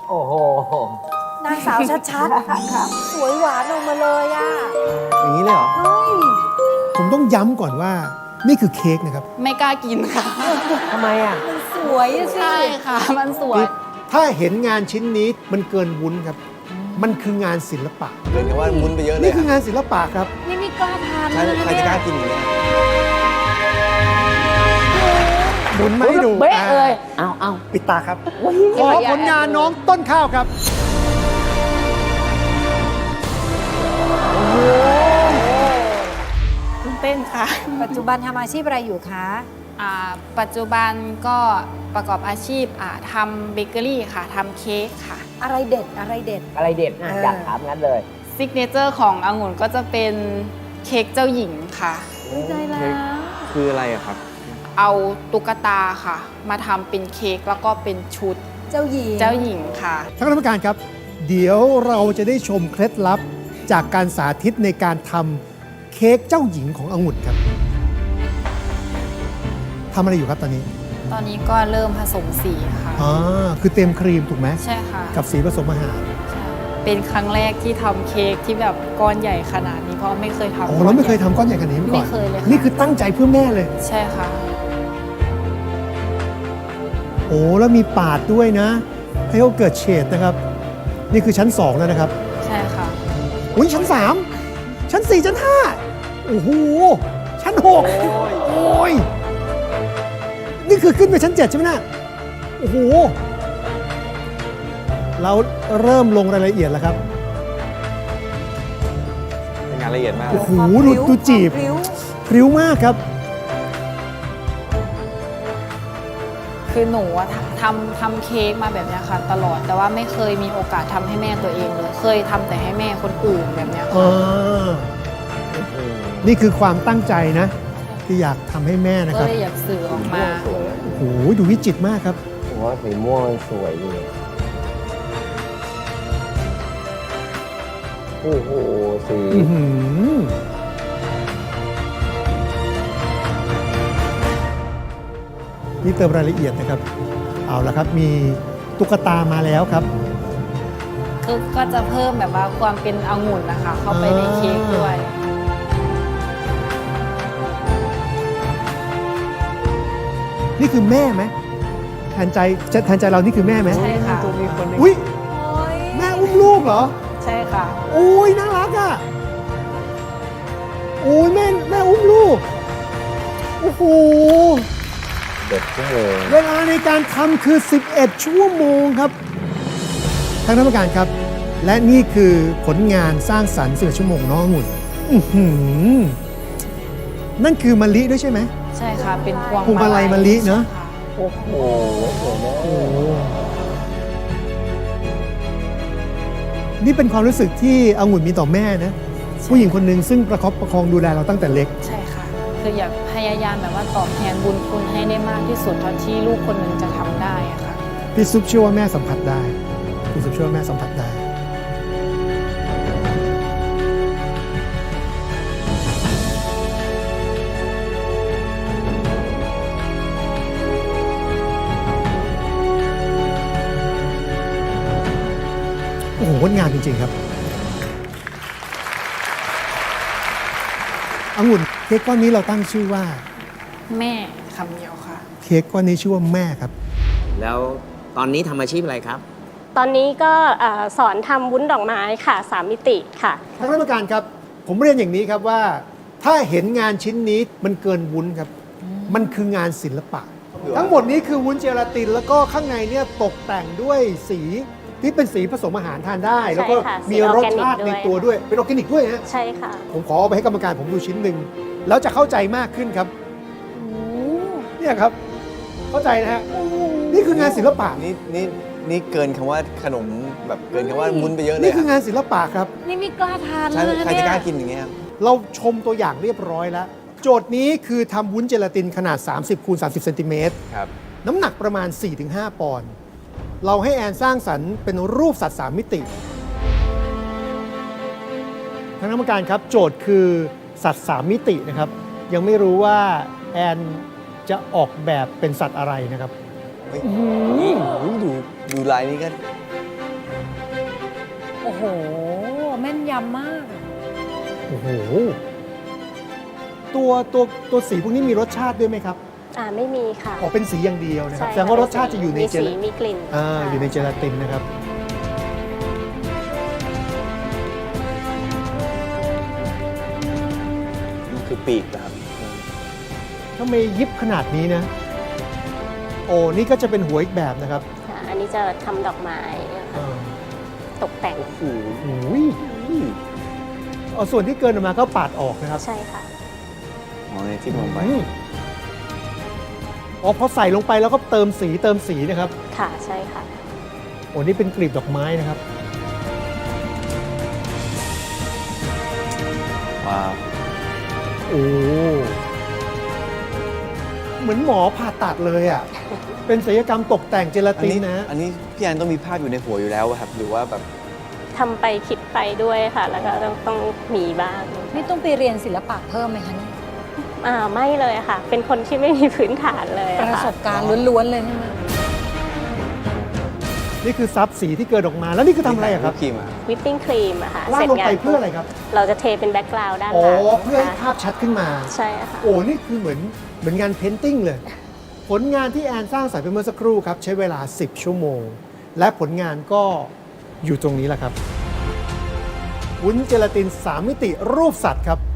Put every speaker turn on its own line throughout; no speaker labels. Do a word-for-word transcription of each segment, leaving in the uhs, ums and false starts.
โอ้โห
นางสาวชัดๆ สวยหวานออกมาเลยอ่ะ
อย่างนี้เลยเหรอ
เฮ้ย
ผมต้องย้ำก่อนว่านี่คือเค้กนะครับ
ไม่กล้ากินค่ะ
ทำไมอ่ะ
มันสวยอะสิ
ใช่ค่ะ มันสวย
ถ้าเห็นงานชิ้นนี้มันเกินวุ้นครับ มันคืองานศิลปะ
เกินกันว่ามุนไปเยอะเลย
นี่คืองานศิลปะครับ
นี่ไม่กล้าทาน
ใคร
เลยนะ
ใครจะ
เนี่
กล้าย กินอย่างเงี้ย
หมุนมาให้ดู
เบ๊ะ
อ่า
เลย เอาเอา
ปิดตาครับ
อุ๊ย
ขอผลงานน้องต้นข้าวครับ
ตื่นเต้นค่ะ
ปัจจุบันทำอาชีพอะไรอยู่คะ
อ่าปัจจุบันก็ประกอบอาชีพอ่าทำเบเกอรี่ค่ะทำเค้กค่ะ
อะไรเด็ดอะไรเด็ด
อะไรเด็ดอ่ะ
เออ
อ
อ
ยากถามงั้นเลย
ซิกเนเจอร์ขององุ่นก็จะเป็นเค้กเจ้าหญิงค่ะ
อุ๊ยใจแล้ว
คืออะไรอะครับ
เอาตุ๊กตาค่ะ มาทำเป็นเค้กแล้วก็เป็นชุด
เจ้าหญิง
เจ้าหญิงค่ะ
ท่านคณะกรรมการครับ เดี๋ยวเราจะได้ชมเคล็ดลับจากการสาธิตในการทำเค้กเจ้าหญิงขององุ่นครับทำอะไรอยู่ครับตอนนี้
ตอนนี้ก็เริ่มผสมสีค่ะ
อ๋อคือเต็มครีมถูกไหม
ใช่ค่ะ
กับสีผสมอาหาร
ใช่เป็นครั้งแรกที่ทำเค้กที่แบบก้อนใหญ่ขนาดนี้เพราะไม่เคยทำ
โอ้เราไม่เคยทำก้อนใหญ่ขนาดนี้มาก่อน
ไม่เคยเลยค่ะ
นี่คือตั้งใจเพื่อแม่เลย
ใช่ค่ะ
โอ้แล้วมีปาดด้วยนะ ให้เขาเกิดเฉดนะครับ นี่คือชั้นสองแล้วนะครับ
ใช่ค่ะ
อุ้ยชั้นสามชั้นสี่ชั้นห้าโอ้โหชั้นหกโอ้ยนี่คือขึ้นไปชั้นเจ็ดใช่ไหมนะโอ้โหเราเริ่มลงรายละเอียดแล้วครับ
เป็นงานละเอียดมาก
โอ้โห
ความ
ดู
พริ้ว
ดูจีบ
ความพริ้ว
พริ้วมากครับ
คือหนูอะทำทำเค้กมาแบบเนี้ยค่ะ ตลอดแต่ว่าไม่เคยมีโอกาสทำให้แม่ตัวเองเลยเคยทำแต่ให้แม่คนอื่นแบบเนี้ย
อ่
ค่ะ
านี่คือความตั้งใจนะ ที่อยากทำให้แม่นะค
ก็
รับ
เลยอยากสื่อออกมา
สวย
โอ้โหดูวิจิตรมากครับ
ผมว่าสีม่วงมันสวยดีโอ้โห สี
อื้อหือนี่เติมรายละเอียดนะครับ เอาละครับมีตุ๊กตามาแล้วครับ
คือก็จะเพิ่มแบบว่าความเป็นองุ่นนะคะ เข้าไปในเค้กด้วย
นี่คือแม่ไหมแทนใจแทนใจเรานี่คือแม่ไหม
ใช่ค่ะ
อุ้ย
โอ้ย
แม่อุ้มลูกเหรอ
ใช่ค่ะ
โอ้ยน่ารักอ่ะโอ้ยแม่แม่อุ้มลูกโอ้โห
เด็ดชั่วโมง
เวลาในการทำคือ สิบเอ็ด ชั่วโมงครับทางท่านผู้การครับ และนี่คือผลงานสร้างสรรค์สิบเอ็ดชั่วโมงน้ององุ่นอื้อหือนั่นคือมะลิด้วยใช่ไหม
ใช่ค่ะ เป็นพวง
พวงมาลัยมะลิเนอะ
ใช่ค่
โอ้โหสวยมาก
โอ้นี่เป็นความรู้สึกที่องุ่นมีต่อแม่นะ ผู้หญิงคนหนึ่งซึ่งประคับประคองดูแลเราตั้งแต่เล็ก
ใช่ค่ะ คืออยากพยายามแบบว่าตอบแทนบุญคุณให้ได้มากที่สุดเท่าที่ลูกคนหนึ่งจะทำได้อะค่ะ
พี่ซุปเชื่อว่าแม่สัมผัสได้พี่ซุปเชื่อว่าแม่สัมผัสได้ โอ้โหงดงามจริง ๆ ครับองุ่นเค้กก้อนนี้เราตั้งชื่อว่า
แม่คำเดียวค่ะ
เค้กก้อนนี้ชื่อว่าแม่ครับ
แล้วตอนนี้ทำอาชีพอะไรครับ
ตอนนี้ก็เอ่อสอนทำวุ้นดอกไม้ค่ะสามมิติค่ะ
ท่านคณะกรรมการครับ ผมเรียนอย่างนี้ครับว่า ถ้าเห็นงานชิ้นนี้มันเกินวุ้นครับ มันคืองานศิลปะ ทั้งหมดนี้คือวุ้นเจลาติน แล้วก็ข้างในเนี่ยตกแต่งด้วยสีที่เป็นสีผสมอาหารทานได้ แล้วก็
ค่ะ
มีรสชาติในตัวด้วย เป็นออร์แกนิกด้วยฮะ
ใช่ค่ะ
ผมขอเอาไปให้กรรมการผมดูชิ้นหนึ่งแล้วจะเข้าใจมากขึ้นครับเนี่ยครับ เข้าใจนะฮะนี่คืองานศิลปะ
นี่นี่นี่เกินคำว่าขนมแบบเกินคำว่ามุนไปเยอะเลย
นี่คื
อะ
องานศิลปะครับ
นี่ไม่กล้าทาน
ใช่
เลยนะ
ใคร
เนี่
จะ
ย
กล้ากินอย่างเงี้ยครับ
เราชมตัวอย่างเรียบร้อยแล้ว โจทย์นี้คือทำวุ้นเจลาตินขนาด สามสิบคูณสามสิบเซนติเมตร
ครับ
น้ำหนักประมาณ สี่ถึงห้า ปอนด์ เราให้แอนสร้างสรรค์เป็นรูปสัตว์สามมิติทางกรรมการครับ โจทย์คือสัตว์สามมิตินะครับ ยังไม่รู้ว่าแอนจะออกแบบเป็นสัตว์อะไรนะครับ
เฮ้ยโอ้โหดูดูลายนี้ก็
โอ้โห แม่นยำมาก
โอ้โห ตัวตัวตัวสีพวกนี้มีรสชาติด้วยไหมครับ
อ่าไม่มีค่ะ
ออกเป็นสีอย่างเดียวนะครับ
ใช่
แสดงว่ารสชาติจะอยู่ใน
มี
เจ
สี
ลา
มีกลิ่น
อ่า
ค่ะ
อยู่ในเจลาตินนะครับ
มันคือปีกนะครับ
ทำไมยิบขนาดนี้นะ โอ้นี่ก็จะเป็นหัวอีกแบบนะครับ
ค่ะอันนี้จะทำดอกไม้นะคะ
อ่า
ตกแต่ง
โอ้โห
โอ้ยเอาส่วนที่เกินออกมาก็ปาดออกนะครับ
ใช่ค่ะ
อ๋อในที่ลงไป
อืมอ๋อพอใส่ลงไปแล้วก็เติมสีเติมสีนะครับ
ค่ะใช่ค่ะ
โอ้นี่เป็นกลีบดอกไม้นะครับ
ว้าว
โอ้เหมือนหมอผ่าตัดเลยอ่ะ เป็นศัลยกรรมตกแต่งเจลา
อัน
ติน
นี้
นะ
อันนี้พี่แอนต้องมีภาพอยู่ในหัวอยู่แล้วอะครับ หรือว่าแบบ
ทำไปคิดไปด้วยค่ะ แล้วก็ต้องต้องมีบ้าง
นี่ต้องไปเรียนศิลปะเพิ่มไหมคะเนี่ย
อ่าไม่เลยค่ะ เป็นคนที่ไม่มีพื้นฐานเลย
ป
อะ
ระ
ค่ะ
สบการณ์ล้วนๆเลยใช่ไหม
นี่คือซับสีที่เกิดออกมา แล้วนี่คือทำอะไรอะครับ
วิปครีมอะ
วิปปิ้งครีมอะค่ะ
วาดลงไปเพื่ออะไรครับ
เราจะเทเป็นแบ็กกราวด์ด้าน
อ๋อ
หลัง
เพื่อให้
ค่ะ
ภาพชัดขึ้นมา
ใช่ค่ะ
โอ้นี่คือเหมือนเหมือนงานเพนติ้งเลย ผลงานที่แอนสร้างสรรค์ไปเมื่อสักครู่ครับ ใช้เวลา สิบ ชั่วโมง และผลงานก็อยู่ตรงนี้แหละครับวุ้นเจลาติน สาม มิติรูปสัตว์ครับ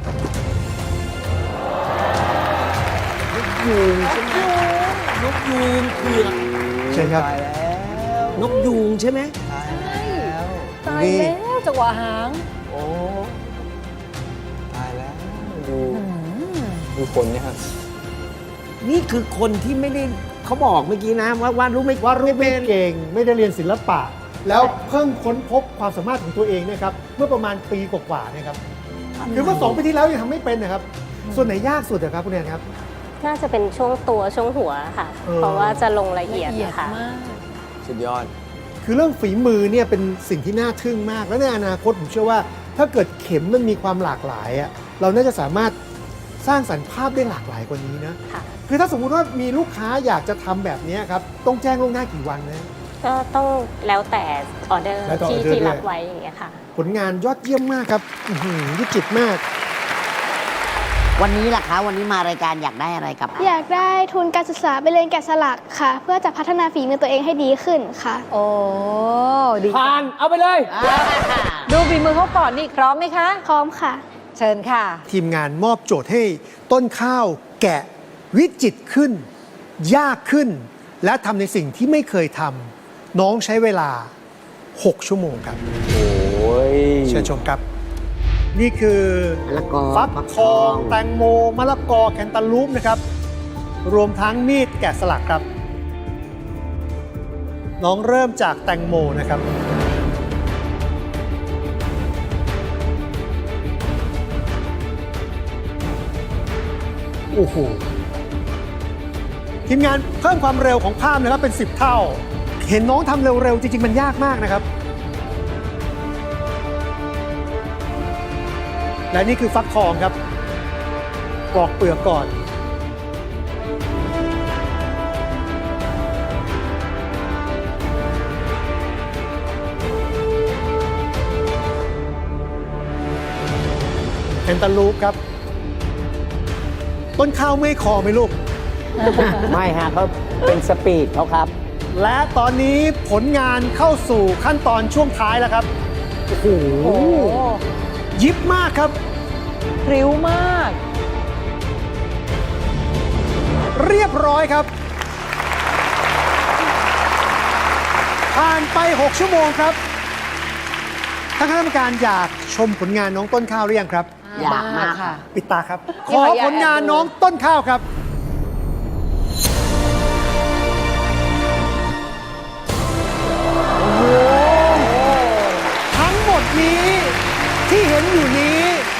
ยูงใช่ไหมนกยูงเผือก
เชิญครับ
ตายแล้ว
นกยูงใช่ไหม
ตายแล้ว
ตายแล้วจังหวะหาง
โอ้ตายแล้ว ดู
อืม
ดูคนเนี่ยครับ
นี่คือคนที่ไม่ได้เขาบอกเมื่อกี้นะว่าวาดรูปไม่
วาดรูปไม่เก่งไม่ได้เรียนศิลปะ แล้วเพิ่งค้นพบความสามารถของตัวเองเนะครับ เมื่อประมาณปีกว่าๆเนะครับคือเมื่อสองปีที่แล้วยังทำไม่เป็นนะครับ ส่วนไหนยากสุดอะครับคุณแอนครับ
น่าจะเป็นช่วงตัวช่วงหัวค่ะ
เออ
เพราะว่าจะลงละเอียด
ละเอียด
นะคะ
มาก
สุดยอด
คือเรื่องฝีมือเนี่ยเป็นสิ่งที่น่าทึ่งมาก และในอนาคตผมเชื่อว่าถ้าเกิดเข็มมันมีความหลากหลายอะเราน่าจะสามารถสร้างสรรค์ภาพได้หลากหลายกว่านี้นะ
ค่ะ
คือถ้าสมมุติว่ามีลูกค้าอยากจะทำแบบนี้ครับต้องแจ้งล่วงหน้ากี่วันนะ
ก็ต้องแล้วแต่ออเดอร์
แล้วแต่อ
ที่
อเดอร์
ที่
ด้วย
รับไว้อย่างเงี้ยค่ะ
ผลงานยอดเยี่ยมมากครับอื้อหือวิจิตรมาก
วันนี้ล่ะคะ วันนี้มารายการอยากได้อะไรกลับ
อยากได้ทุนการศึกษาไปเรียนแกะสลักค่ะ เพื่อจะพัฒนาฝีมือตัวเองให้ดีขึ้นค่ะ
โอ้ดี
ผ่านเอาไปเลย
ดูฝีมือเขาก่อนนี่พร้อมไหมคะ
พร้อมค่ะ
เชิญค่ะ
ทีมงานมอบโจทย์ให้ต้นข้าวแกะวิจิตรขึ้น ยากขึ้น และทำในสิ่งที่ไม่เคยทำน้องใช้เวลา หก ชั่วโมงครับ
โอ้ย
เชิญชมครับ นี่คือ
มะละกอ
ฟัก
ฟัก
ท
ท
อ
อง ง
แตงโมมะละกอแคนตาลูปนะครับ รวมทั้งมีดแกะสลักครับ น้องเริ่มจากแตงโมนะครับ โอ้โห ทีมงานเพิ่มความเร็วของภาพนะครับเป็น สิบ เท่า เห็นน้องทำเร็ว ๆ จริง ๆ มันยากมากนะครับ และนี่คือฟักทองครับปลอกเปลือกก่อน แคนตาลูปครับ ต้นข้าวเมื่อยคอไหมลูก
ไม่ฮะเขาเป็นสปีดเขาครับ
และตอนนี้ผลงานเข้าสู่ขั้นตอนช่วงท้ายแล้วครับ โอ้โห
โอ้
ยิบมากครับ
พริ้วมาก
เรียบร้อยครับ ผ่านไป หก ชั่วโมงครับท่านคณะกรรมการอยากชมผลงานน้องต้นข้าวหรือยังครับ
อยากมาก
ค่ะ
ปิดตาครับ ข
นี่
อ
ค่ะอยาก
ผลงาน
แอบดู
น้องต้นข้าวครับ โอ้โห ทั้งหมดนี้ที่เห็นอยู่นี้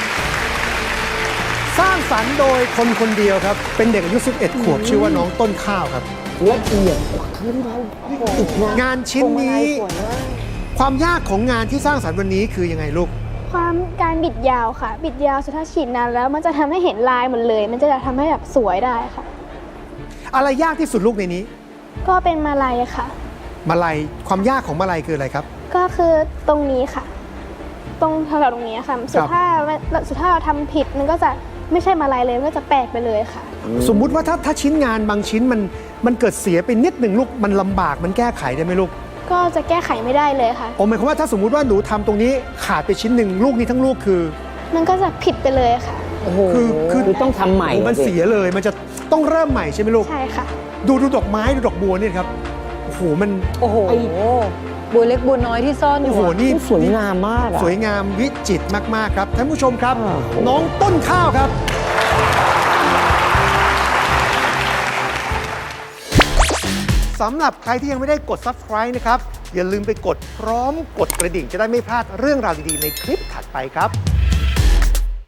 สร้างสรรค์โดยคนคนเดียวครับ เป็นเด็กอายุ สิบเอ็ด ขวบ ชื่อว่าน้องต้นข้าวครับ
ละเอียดขึ้นเราอีกนะ
งานชิ้นนี้ ความยากของงานที่สร้างสรรค์วันนี้คือยังไงลูก
ความการบิดยาวค่ะ บิดยาวสุดถ้าฉีดนานแล้วมันจะทำให้เห็นลายหมดเลย มันจะทำให้แบบสวยได้ค่ะ
อะไรยากที่สุดลูกในนี้
ก็เป็นมาลัยค่ะ
มาลัยความยากของมาลัยคืออะไรครับ
ก็คือตรงนี้ค่ะ ตรงแถวๆตรงนี้ค่ะสุดถ้าสุดถ้าเราทำผิดมันก็จะไม่ใช่มาลายเลยมันก็จะแปลกไปเลยค่ะ
สมมุติว่าถ้าถ้าชิ้นงานบางชิ้นมันมันเกิดเสียไปนิดหนึ่งลูกมันลำบากมันแก้ไขได้ไหมลูก
ก็จะแก้ไขไม่ได้เลยค่ะ
โอ้หมายความว่าถ้าสมมุติว่าหนูทำตรงนี้ขาดไปชิ้นหนึ่งลูกนี้ทั้งลูกคือ
มันก็จะผิดไปเลยค่ะ
โอ้โห
คือคือ
คือต้องทำใหม่
โอ้มัน
สิ
เสียเลยมันจะต้องเริ่มใหม่ใช่ไหมลูก
ใช่ค่ะ
ดูดูดอกไม้ดูดอกบัวเนี่ยครับโอ้โหมัน
โอ้โห บัวเล็กบัวน้อยที่ซ่อนอ
โอ้
ยู่
โห
อะ
นี่
สวยงามมากอะ
สวยงามวิจิตรมากๆครับท่านผู้ชมครับ
โอ้โห
น้องต้นข้าวครับสำหรับใครที่ยังไม่ได้กด ซับสไครบ์ นะครับอย่าลืมไปกดพร้อมกดกระดิ่งจะได้ไม่พลาดเรื่องราวดีๆในคลิปถัดไปครับ